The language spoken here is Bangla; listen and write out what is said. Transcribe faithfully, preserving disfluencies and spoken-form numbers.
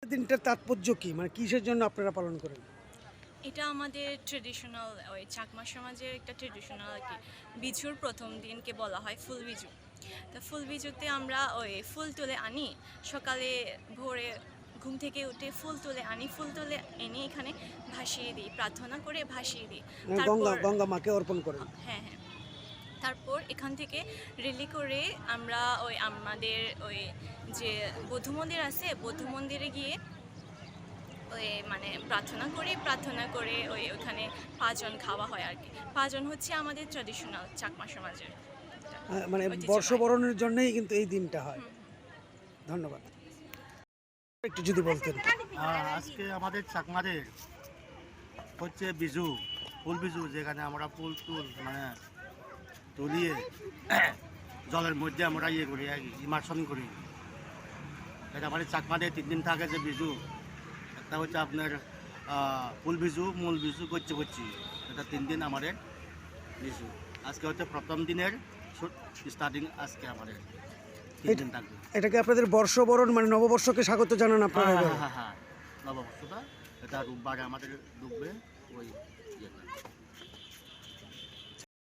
দিনটার তাৎপর্য কি, মানে কিসের জন্য আপনারা পালন করেন? এটা আমাদের ট্রেডিশনাল ওই চাকমা সমাজের একটা ট্রেডিশনাল আর কি। বিজুর প্রথম দিনকে বলা হয় ফুল বিজু। তো ফুল বিজুতে আমরা ওই ফুল তুলে আনি সকালে ভোরে ঘুম থেকে উঠে ফুল তুলে আনি, ফুল তুলে এনে এখানে ভাসিয়ে দিই, প্রার্থনা করে ভাসিয়ে দিই। মানে গঙ্গা গঙ্গা মাকে অর্পণ করেন। হ্যাঁ হ্যাঁ তারপর এখান থেকে রেলি করে আমরা ওই আমাদের ওই যে বৌদ্ধ মন্দির আছে, বৌদ্ধ মন্দিরে গিয়ে ওই মানে প্রার্থনা করি, প্রার্থনা করে ওই ওখানে পাঁচজন খাওয়া হয় আর কি। পাঁচজন হচ্ছে আমাদের ট্র্যাডিশনাল চাকমা সমাজের আহ, মানে বর্ষবরণের জন্যই কিন্তু এই দিনটা হয়। ধন্যবাদ। একটু যদি বলতেন। আহ, আজকে আমাদের চাকমাদের হচ্ছে বিজু, ফুল বিজু, যেখানে আমরা ফুল তুল মানে তুলিয়ে জলের মধ্যে আমরা ইয়ে করি ইমার্শন করি। এটা আমাদের চাকমাদের তিন দিন থাকে যে বিজু। একটা হচ্ছে আপনার আহ, ফুল বিজু, মূল বিজু, কচ্ছি কচ্ছি, এটা তিন দিন আমাদের বিজু। আজকে হচ্ছে প্রথম দিনের স্টার্টিং, আজকে আমাদের তিন দিন থাকবে। এটা কি আপনাদের বর্ষবরণ মানে নববর্ষকে স্বাগত জানান আপনারা? হ্যাঁ এবার হ্যাঁ হ্যাঁ নববর্ষটা এটা রোববারে আমাদের ডুববে ওই ইয়েটা।